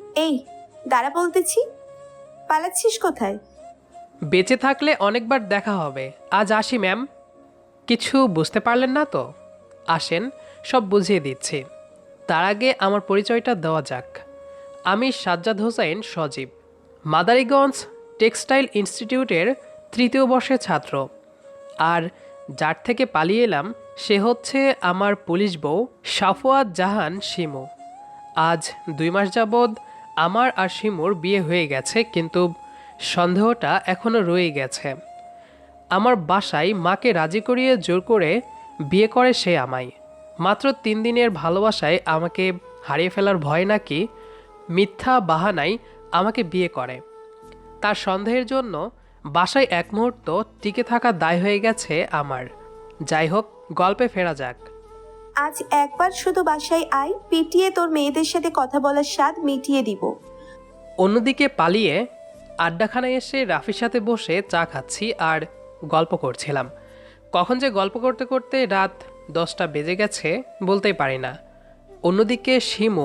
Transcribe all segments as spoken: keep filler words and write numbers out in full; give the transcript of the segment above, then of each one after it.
এই দাঁড়া বলতেছি, পালাচ্ছিস কোথায়? বেঁচে থাকলে অনেকবার দেখা হবে, আজ আসি ম্যাম। কিছু বুঝতে পারলেন না তো? আসেন, সব বুঝিয়ে দিচ্ছি। তার আগে আমার পরিচয়টা দেওয়া যাক। আমি সাজ্জাদ হোসাইন সজীব, মাদারীগঞ্জ টেক্সটাইল ইনস্টিটিউটের তৃতীয় বর্ষের ছাত্র। আর যার থেকে পালিয়ে এলাম সে হচ্ছে আমার পুলিশ বউ সাফওয়াত জাহান শিমু। আজ দুই মাস যাবৎ আমার আর শিমুর বিয়ে হয়ে গেছে, কিন্তু সন্দেহটা এখনও রয়ে গেছে। আমার বাসায় মাকে রাজি করিয়ে জোর করে বিয়ে করে সে আমায়। মাত্র তিন দিনের ভালোবাসায় আমাকে হারিয়ে ফেলার ভয় নাকি মিথ্যা বাহানায় আমাকে বিয়ে করে। তার সন্দেহের জন্য বাসায় এক মুহূর্ত টিকে থাকা দায় হয়ে গেছে আমার। যাই হোক, গল্পে ফেরা যাক। আজ একবার শুধু বাসায় আয়, পিটিয়ে তোর মেয়েদের সাথে কথা বলার স্বাদ মিটিয়ে দিব। অন্যদিকে পালিয়ে আড্ডাখানায় এসে রাফির সাথে বসে চা খাচ্ছি আর গল্প করছিলাম। কখন যে গল্প করতে করতে রাত দশটা বেজে গেছে বলতেই পারি না। অন্যদিকে শিমু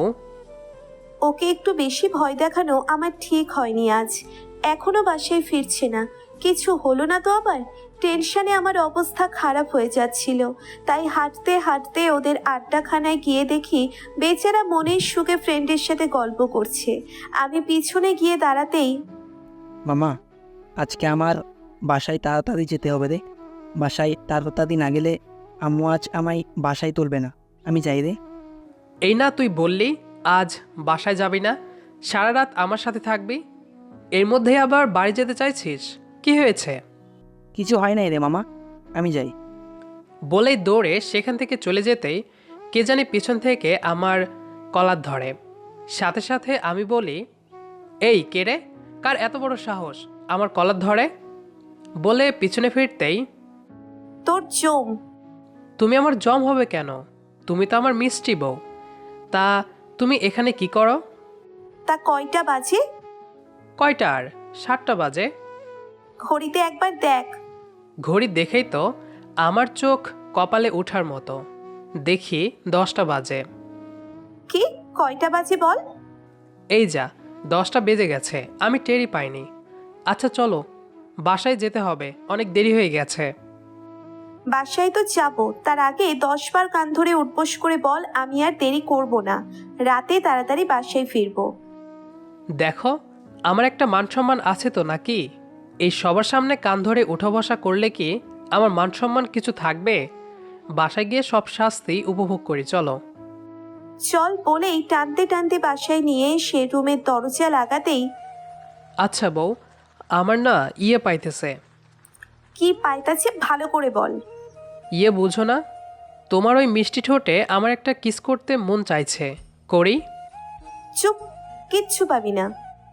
ওকে একটু বেশি ভয় দেখানো আমার ঠিক হয়নি আজ। এখনো বাসায় ফিরছে না। কিছু হলো না তো আবার? টেনশনে আমার অবস্থা খারাপ হয়ে যাচ্ছিল। তাই হাঁটতে হাঁটতে ওদের আড্ডাখানায় গিয়ে দেখি বেচারা মনের সুখে ফ্রেন্ডের সাথে গল্প করছে। আমি পিছনে গিয়ে দাঁড়াতেই, মামা, আজকে আমার বাসায় তাড়াতাড়ি যেতে হবে রে। বাসায় তাড়াতাড়ি না গেলে আম্মু আজ আমায় বাসায় তুলবে না। আমি যাই রে। এই না তুই বললি আজ বাসায় যাবি না, সারা রাত আমার সাথে থাকবি, এর মধ্যে আবার বাড়ি যেতে চাইছিস? কি হয়েছে? কিছু হয় নাই রে মামা, আমি যাই। বলেই দৌড়ে সেখান থেকে চলে যেতেই কে জানি পিছন থেকে আমার কলার ধরে। সাথে সাথে আমি বলি, এই কে রে, কার এত বড় সাহস আমার কলার ধরে? বলে পিছনে ফিরতেই, তোর জম। তুমি আমার জম হবে কেন? তুমি তো আমার মিষ্টি বউ। তা তুমি এখানে কি করো? তা কয়টা বাজে? কয়টা আর? সাতটা বাজে। ঘড়িতে একবার দেখ। ঘড়ি দেখেই তো আমার চোখ কপালে ওঠার মতো। দেখি দশটা বাজে। কি কয়টা বাজে বল? এই যা, দশটা বেজে গেছে, আমি টেরই পাইনি। আচ্ছা চলো, বাসায় যেতে হবে, অনেক দেরি হয়ে গেছে। বাসায় তো যাব, তার আগে দশ বার কান ধরে উঠবোস করে বল আমি আর দেরি করব না, রাতে তাড়াতাড়ি বাসায় ফিরবো। দেখো, আমার একটা মান সম্মান আছে তো নাকি? এই সবার সামনে কান ধরে উঠা বসা করলে কি আমার মান সম্মান কিছু থাকবে? বাসায় গিয়ে সব শাস্তি উপভোগ করি, চলো। চল বলেই টানতে টানতে বাসায় নিয়ে সে রুমের দরজা লাগাতেই, আচ্ছা বউ, আমার না ইয়ে পাইতেছে। কি পাইতাছে ভালো করে বল। ইয়ে বুঝো না? তোমার ওই মিষ্টি ঠোঁটে আমার একটা কিস করতে মন চাইছে, করি? চুপ, কিচ্ছু পাবি না।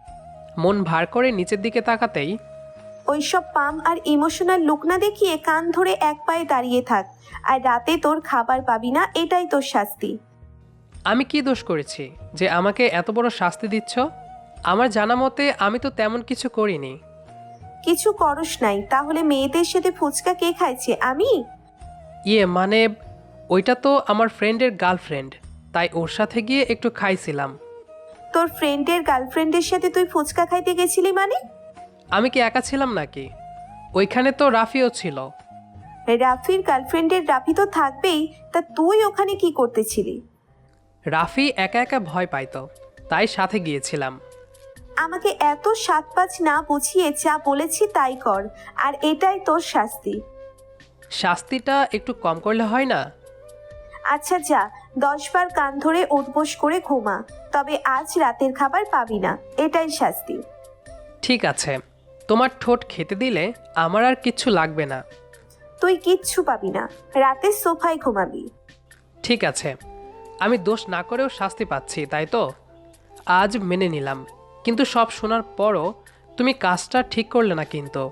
মন ভার করে নিচের দিকে তাকাতেই, ওইসব পাম আর ইমোশনাল লুক না দেখিয়ে কান ধরে এক পায়ে দাঁড়িয়ে থাক, আর রাতে তোর খাবার পাবি না, এটাই তোর শাস্তি। আমি কি দোষ করেছি যে আমাকে এত বড় শাস্তি দিচ্ছ? আমার জানা মতে আমি তো তেমন কিছু করিনি। কিছু করস নাই, তাহলে মেয়েদের সাথে ফুচকা কে খাইছে? আমি? ইয়ে মানে, ওইটা তো আমার ফ্রেন্ডের গার্লফ্রেন্ড, তাই ওর সাথে গিয়ে একটু খাইছিলাম। তোর ফ্রেন্ডের গার্লফ্রেন্ডের সাথে তুই ফুচকা খাইতে গেছিলি মানে? আমি কি একা ছিলাম নাকি? ওইখানে তো রাফিও ছিল। রাফির গার্লফ্রেন্ডের রাফি তো থাকবেই, তা তুই ওখানে কি করতেছিলি? রাফি একা একা ভয় পাইতো, তাই সাথে গিয়েছিলাম। আমাকে এত সাত পাঁচ না বুঝিয়ে যা বলেছি তাই কর, আর এটাই তোর শাস্তি। শাস্তিটা একটু কম করলে হয় না? আচ্ছা যা, দশ বার কান ধরে উঠবোস করে ঘুমা, তবে আজ রাতের খাবার পাবি না, এটাই শাস্তি। ঠিক আছে, তোমার ঠোঁট খেতে দিলে আমার আর কিচ্ছু লাগবে না। তুই কিচ্ছু পাবি না, রাতে সোফায় ঘুমাবি। ঠিক আছে, আমি দোষ না করেও শাস্তি পাচ্ছি, তাই তো? আজ মেনে নিলাম, কিন্তু সব শোনার পরও তুমি কাজটা ঠিক করলে না কিন্তু।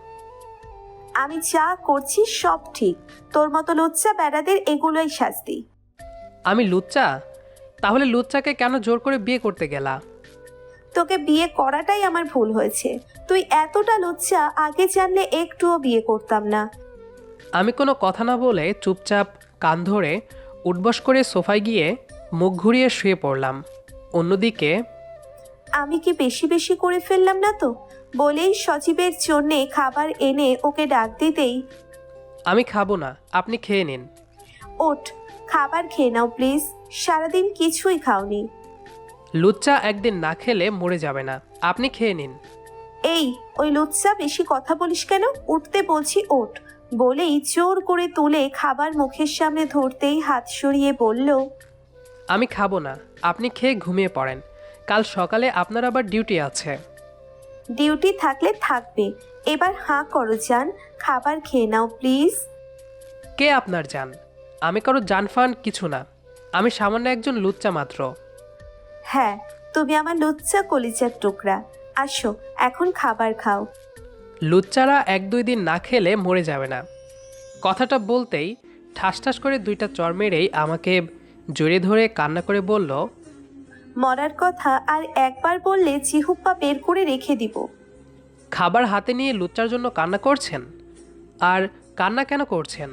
আমি যা করছি সব ঠিক, তোর মতো লুচ্চা বেড়াদের এগুলোই শাস্তি। আমি লুচ্চা? তাহলে লুচ্চাকে কেন জোর করে বিয়ে করতে গেলা? তোকে বিয়ে করাটাই আমার ভুল হয়েছে। তুই এতটা লুচ্চা, আগে জানলে একটুও বিয়ে করতাম না। আমি কোনো কথা না বলে চুপচাপ কান ধরে উঠবস করে সোফায় গিয়ে মুখ ঘুরিয়ে শুয়ে পড়লাম। অন্যদিকে আমি কি বেশি বেশি করে ফেললাম না তো? বলেই সজীবের জন্যে খাবার এনে ওকে ডাক দিতেই, আমি খাবো না, আপনি খেয়ে নিন। ওঠ, খাবার খেয়ে নাও প্লিজ, সারাদিন কিছুই খাওনি। লুচ্চা একদিন না খেলে মরে যাবে না, আপনি খেয়ে নিন। এই, ওই লুচ্চা বেশি কথা বলিস কেন? উঠতে বলছি ওঠ। বলেই জোর করে তুলে খাবার মুখের সামনে ধরতেই হাত সরিয়ে বলল, আমি খাবো না, আপনি খেয়ে ঘুমিয়ে পড়েন, কাল সকালে আপনার আবার ডিউটি আছে। ডিউটি থাকলে থাকবে, এবার হাঁ করো জান, খাবার খেয়ে নাও প্লিজ। কে আপনার জান? আমি কারো জানফান কিছু না, আমি সামান্য একজন লুচ্চা মাত্র। হ্যাঁ, তুমি আমার লুচ্চা কলিজার টুকরা। আসো, এখন খাবার খাও। লুচ্চারা এক দুই দিন না খেলে মরে যাবে না। কথাটা বলতেই ঠাস ঠাস করে দুইটা চর মেরেই আমাকে জড়িয়ে ধরে কান্না করে বলল, মরার কথা আর একবার বললে জিহুপ্পা বের করে রেখে দিব। খাবার হাতে নিয়ে লুচ্চার জন্য কান্না করছেন? আর কান্না কেন করছেন?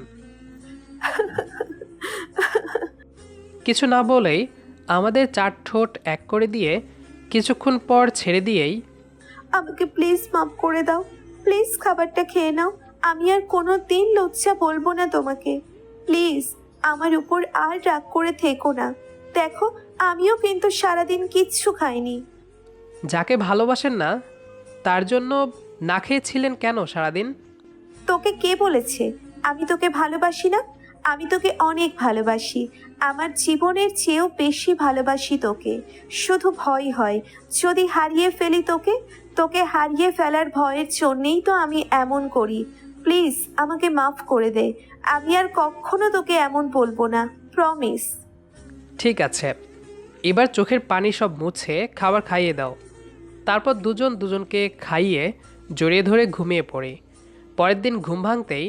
কিছু না বলেই আমাদের চার ঠোঁট এক করে দিয়ে কিছুক্ষণ পর ছেড়ে দিয়েই, আমাকে প্লিজ মাফ করে দাও, প্লিজ খাবারটা খেয়ে নাও। আমি আর কোনো দিন লজ্জা বলবো না তোমাকে। প্লিজ আমার উপর আর রাগ করে থেকো না। দেখো, আমিও কিন্তু সারাদিন কিচ্ছু খাইনি। যাকে ভালোবাসেন না তার জন্য না খেয়েছিলেন কেন সারাদিন? তোকে কে বলেছে আমি তোকে ভালোবাসি না? আমি তোকে অনেক ভালোবাসি, আমার জীবনের চেয়েও বেশি ভালোবাসি তোকে। শুধু ভয় হয় যদি হারিয়ে ফেলি তোকে। তোকে হারিয়ে ফেলার ভয়ের জন্যেই তো আমি এমন করি। প্লিজ আমাকে মাফ করে দে, আমি আর কখনো তোকে এমন বলবো না, প্রমিস। ঠিক আছে, এবার চোখের পানি সব মুছে খাবার খাইয়ে দাও। তারপর দুজন দুজনকে খাইয়ে জড়িয়ে ধরে ঘুমিয়ে পড়ি। পরের দিন ঘুম ভাঙতেই,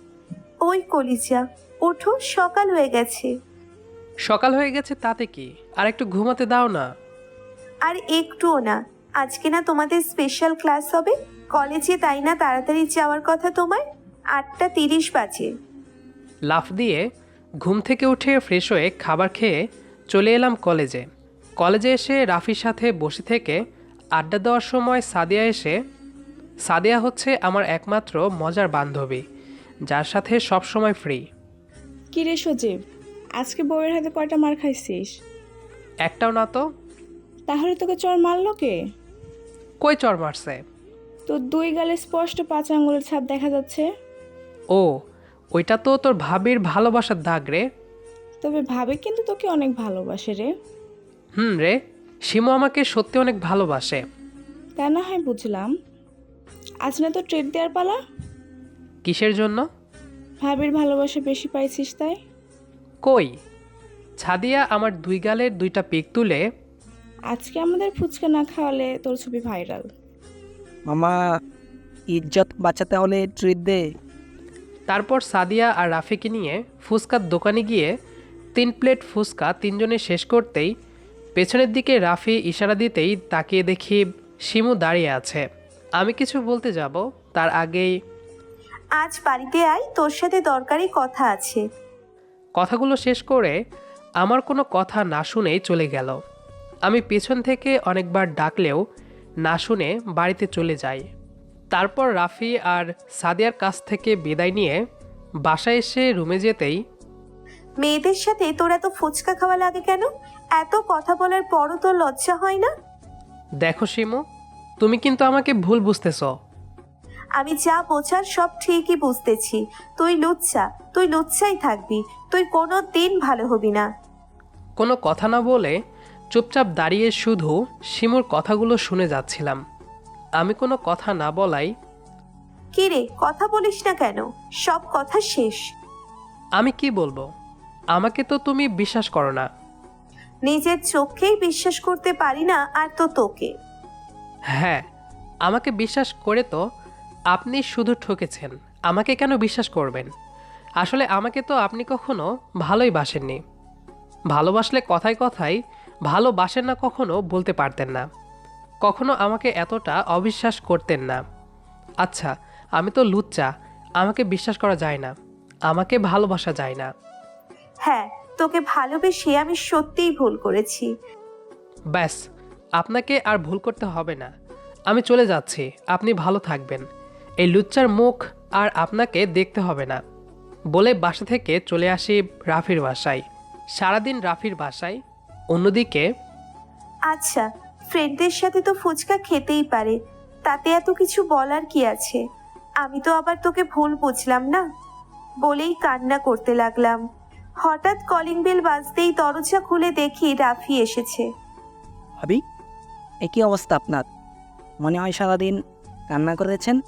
ওই কলিজা, ওঠো, সকাল হয়ে গেছে। সকাল হয়ে গেছে তাতে কি, আর একটু ঘুমাতে দাও না। আর একটুও না, আজকে না তোমাদের স্পেশাল ক্লাস হবে কলেজে, তাই না তাড়াতাড়ি যাওয়ার কথা তোমার? আটটা তিরিশ বাজে। লাফ দিয়ে ঘুম থেকে উঠে ফ্রেশ হয়ে খাবার খেয়ে চলে এলাম কলেজে। কলেজে এসে রাফির সাথে বসে থেকে আড্ডা দেওয়ার সময় সাদিয়া এসে, সাদিয়া হচ্ছে আমার একমাত্র মজার বান্ধবী, যার সাথে সব সময় ফ্রি। কি রে সজীব, আজকে বউয়ের হাতে কয়টা মার খাইছিস? একটাও না তো। তাহলে তোকে চর মারলো কে? কই চর মারছে? তোর দুই গালে স্পষ্ট পাঁচ আঙ্গুলের ছাপ দেখা যাচ্ছে। ও, ওইটা তো তোর ভাবির ভালোবাসার দাগ রে। তবে ভাবে কিন্তু তোকে অনেক ভালোবাসে রে। হুম রে, শিমু আমাকে সত্যি অনেক ভালোবাসে। তা না হয় বুঝলাম, আজ না তো ট্রিট দেওয়ার পালা? কিসের জন্য? ভাবির ভালোবাসা বেশি পাইছিস তাই। কই? ছাদিয়া আমার দুই গালের দুইটা পিক তুলে, আজকে আমাদের ফুচকা না খাওয়ালে তোর ছবি ভাইরাল। মামা, ইজ্জত বাঁচাতে হলে ট্রিট দে। তারপর সাদিয়া আর রাফিকে নিয়ে ফুচকার দোকানে গিয়ে তিন প্লেট ফুচকা তিনজনে শেষ করতেই পেছনের দিকে রাফি ইশারা দিতেই তাকিয়ে দেখি শিমু দাঁড়িয়ে আছে। আমি কিছু বলতে যাব তার আগেই, আজ বাড়িতে আয়, তোর সাথে দরকারি কথা আছে। কথাগুলো শেষ করে আমার কোনো কথা না শুনেই চলে গেল। আমি পেছন থেকে অনেকবার ডাকলেও না শুনে বাড়িতে চলে যাই। তারপর রাফি আর সাদিয়ার কাছ থেকে বিদায় নিয়ে বাসায় এসে রুমে যেতেই, মেয়েদের সাথে তোর এত ফুচকা খাওয়া লাগে কেন? এত কথা বলার পরও তোর লজ্জা হয় না? দেখো শিমু, তুমি কিন্তু আমাকে ভুল বুঝতেছ। আমি যা বোঝার সব ঠিকই বুঝতেছি। তুই লুচ্চা, তুই লুচ্চাই থাকবি, তুই কোনো দিন ভালো হবি না। কোনো কথা না বলে চুপচাপ দাঁড়িয়ে শুধু শিমুর কথাগুলো শুনে যাচ্ছিলাম। আমি কোনো কথা না বলাই, কি রে, কথা বলিস না কেন? সব কথা শেষ। আমি কি বলবো? আমাকে তো তুমি বিশ্বাস করো না। নিজের চোখকেই বিশ্বাস করতে পারি না, আর তো তোকে। হ্যাঁ, আমাকে বিশ্বাস করে তো আপনি শুধু ঠকেছেন। আমাকে কেন বিশ্বাস করবেন? আসলে আমাকে তো আপনি কখনো ভালোই বাসেননি। ভালোবাসলে কথায় কথায় ভালোবাসেন না কখনো বলতে পারতেন না। কখনো আমাকে এতটা অবিশ্বাস করতেন না। আচ্ছা, আমি তো লুচ্চা, আমাকে বিশ্বাস করা যায় না, আমাকে ভালোবাসা যায় না। হ্যাঁ, তোকে ভালোবেসে আমি সত্যিই ভুল করেছি। ব্যাস, আপনাকে আর ভুল করতে হবে না। আমি চলে যাচ্ছি, আপনি ভালো থাকবেন। এই লুচ্চার মুখ আর আপনাকে দেখতে হবে না। বলে বাসা থেকে চলে আসি রাফির বাসায়। সারাদিন রাফির বাসায়। অন্যদিকে আচ্ছা, ফ্রেন্ডদের সাথে তো ফুচকা খেতেই পারে, তাতে এত কিছু বলার কি আছে? আমি তো আবার তোকে ভুল বুঝলাম না, বলেই কান্না করতে লাগলাম। হঠাৎ কলিং বেল বাজতেই দরজা খুলে দেখি রাফি এসেছে। ভাবি, একই অবস্থা আপনার? মনে হয় সারাদিন কান্না করেছেন।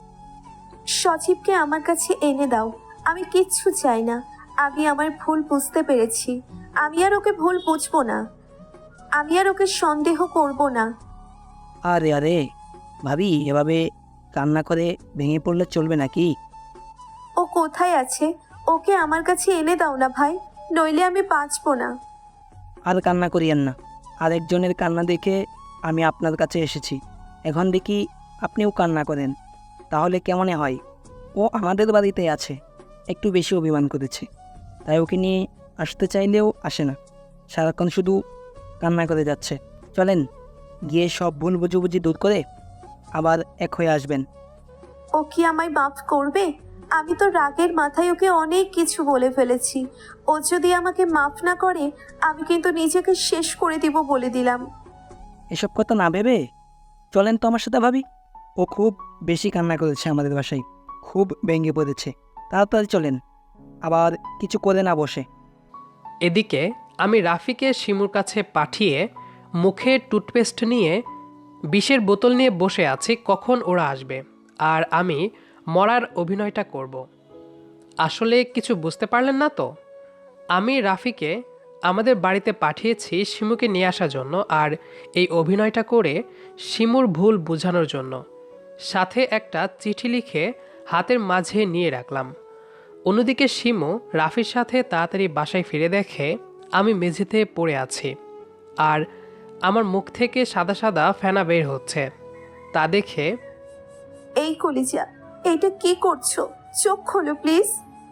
সজীবকে আমার কাছে এনে দাও, আমি কিচ্ছু চাই না। আমি আমার ভুল বুঝতে পেরেছি, আমি আর ওকে ভুল বুঝবো না, আমি আর ওকে সন্দেহ করব না। আরে আরে ভাবি, এভাবে কান্না করে ভেঙে পড়লে চলবে নাকি? ও কোথায় আছে? ওকে আমার কাছে এনে দাও না ভাই, নইলে আমি বাঁচবো না। আর কান্না করিয়েন না। আরেকজনের কান্না দেখে আমি আপনার কাছে এসেছি। এখন দেখি আপনিও কান্না করেন, তাহলে কেমনে হয়? ও আমাদের বাড়িতে আছে, একটু বেশি অভিমান করেছে, তাই ওকে নিয়ে আসতে চাইলেও আসে না, সারাক্ষণ শুধু কান্না করে যাচ্ছে। চলেন, গিয়ে সব ভুল বুঝাবুঝি দূর করে আবার এক হয়ে আসবেন। ও কি আমায় মাফ করবে? আমি তো রাগের মাথায় ওকে অনেক কিছু বলে ফেলেছি। ও যদি আমাকে মাফ না করে, আমি কিন্তু নিজেকে শেষ করে দিব বলে দিলাম। এসব কথা না ভেবে চলেন তো আমার সাথে ভাবি। ও খুব বেশি কান্না করেছে আমাদের বাসায়, খুব ভেঙে পড়েছে। তাড়াতাড়ি চলেন, আবার কিছু করে না বসে। এদিকে আমি রাফিকে শিমুর কাছে পাঠিয়ে মুখে টুথপেস্ট নিয়ে বিষের বোতল নিয়ে বসে আছি কখন ওরা আসবে আর আমি মরার অভিনয়টা করব। আসলে কিছু বুঝতে পারলেন না তো? আমি রাফিকে আমাদের বাড়িতে পাঠিয়েছি শিমুকে নিয়ে আসার জন্য, আর এই অভিনয়টা করে শিমুর ভুল বোঝানোর জন্য। সাথে একটা চিঠি লিখে হাতের মাঝে নিয়ে রাখলাম। অন্যদিকে শিমু রাফির সাথে তাড়াতাড়ি বাসায় ফিরে দেখে আমি মেঝেতে পড়ে আছি আর আমার মুখ থেকে সাদা সাদা ফেনা বের হচ্ছে। তা দেখে, এই কলিজা, এইটা কি করছো? চোখ খোলো প্লিজ।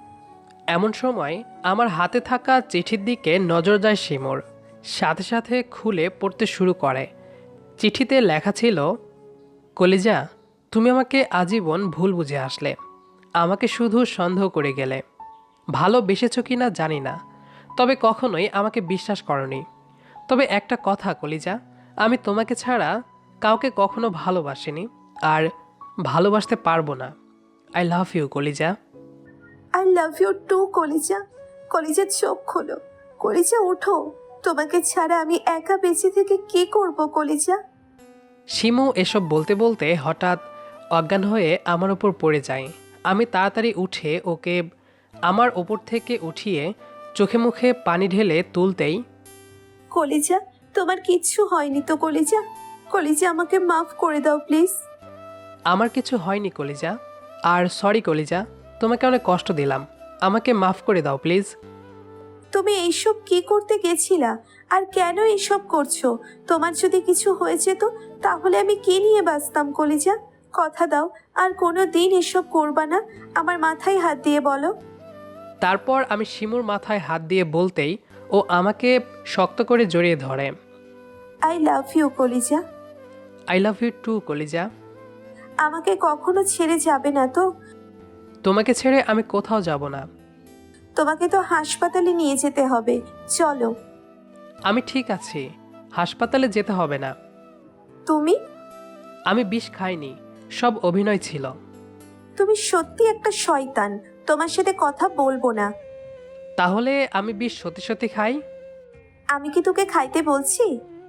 এমন সময় আমার হাতে থাকা চিঠির দিকে নজর যায় শিমুর। সাথে সাথে খুলে পড়তে শুরু করে। চিঠিতে লেখা ছিল, কলিজা, তুমি আমাকে আজীবন ভুল বুঝে আসলে, আমাকে শুধু সন্দেহ করে গেলে। ভালোবেসেছ কি না জানি না, তবে কখনোই আমাকে বিশ্বাস করনি। তবে একটা কথা কলিজা, আমি তোমাকে ছাড়া কাউকে কখনো ভালোবাসিনি আর ভালোবাসতে পারবো না। আই লাভ ইউ কলিজা। আই লাভ ইউ টু কলিজা। কলিজা চোখ খোলো, কলিজা ওঠো, তোমাকে ছাড়া আমি একা বেঁচে থেকে কি করব কলিজা? শিমু এসব বলতে বলতে হঠাৎ অজ্ঞান হয়ে আমার ওপর পড়ে যায়। আমি তাড়াতাড়ি উঠে ওকে আমার ওপর থেকে উঠিয়ে চোখে মুখে পানি ঢেলে তুলতেই, কলিজা, তোমার কিচ্ছু হয়নি তো কলিজা? কলিজা আমাকে মাফ করে দাও প্লিজ। আমার কিছু হয়নি কলিজা, আর সরি কলিজা, তোমাকে অনেক কষ্ট দিলাম, আমাকে মাফ করে দাও প্লিজ। তুমি এইসব কি করতে গেছিলা, আর কেন এইসব করছো? তোমার যদি কিছু হয়ে যেত তাহলে আমি কি নিয়ে বাঁচতাম কলিজা? কথা দাও আর কোনো দিন এসব করবা না। আমার মাথায় হাত দিয়ে বলো। তারপর আমি শিমুর মাথায় হাত দিয়ে বলতেই ও আমাকে শক্ত করে জড়িয়ে ধরে। আই লাভ ইউ কলিজা। আই লাভ ইউ টু কলিজা। আমাকে কখনো ছেড়ে যাবে না তো? তোমাকে ছেড়ে আমি কোথাও যাব না। তোমাকে তো হাসপাতালে নিয়ে যেতে হবে, চলো। আমি ঠিক আছি, হাসপাতালে যেতে হবে না। তুমি আমি বিষ খাইনি, সব অভিনয় ছিল। তুমি সত্যি একটা শয়তান, তোমার সাথে কথা বলবো না। তাহলে আমি বিষ সত্যি সত্যি খাই? আমি কি তোকে খাইতে বলছি?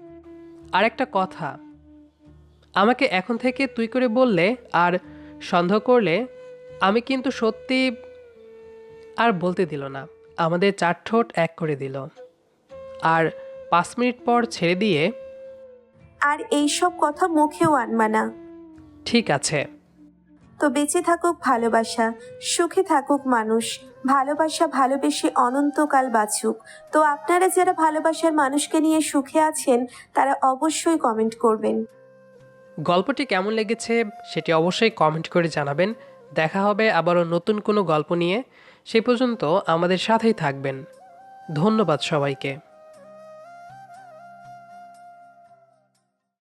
আর একটা কথা, আমাকে এখন থেকে তুই করে বললে আর সন্দেহ করলে আমি কিন্তু সত্যি। আর বলতে দিল না, আমাদের চার ঠোঁট এক করে দিল আর পাঁচ মিনিট পর ছেড়ে দিয়ে, আর এইসব কথা মুখেও আনবা না। ঠিক আছে। তো বেঁচে থাকুক ভালোবাসা, সুখে থাকুক মানুষ, ভালোবাসা ভালোবেসে অনন্তকাল বাঁচুক। তো আপনারা যারা ভালোবাসার মানুষকে নিয়ে সুখে আছেন তারা অবশ্যই কমেন্ট করবেন। গল্পটি কেমন লেগেছে সেটি অবশ্যই কমেন্ট করে জানাবেন। দেখা হবে আবারও নতুন কোনো গল্প নিয়ে। সেই পর্যন্ত আমাদের সাথেই থাকবেন। ধন্যবাদ সবাইকে।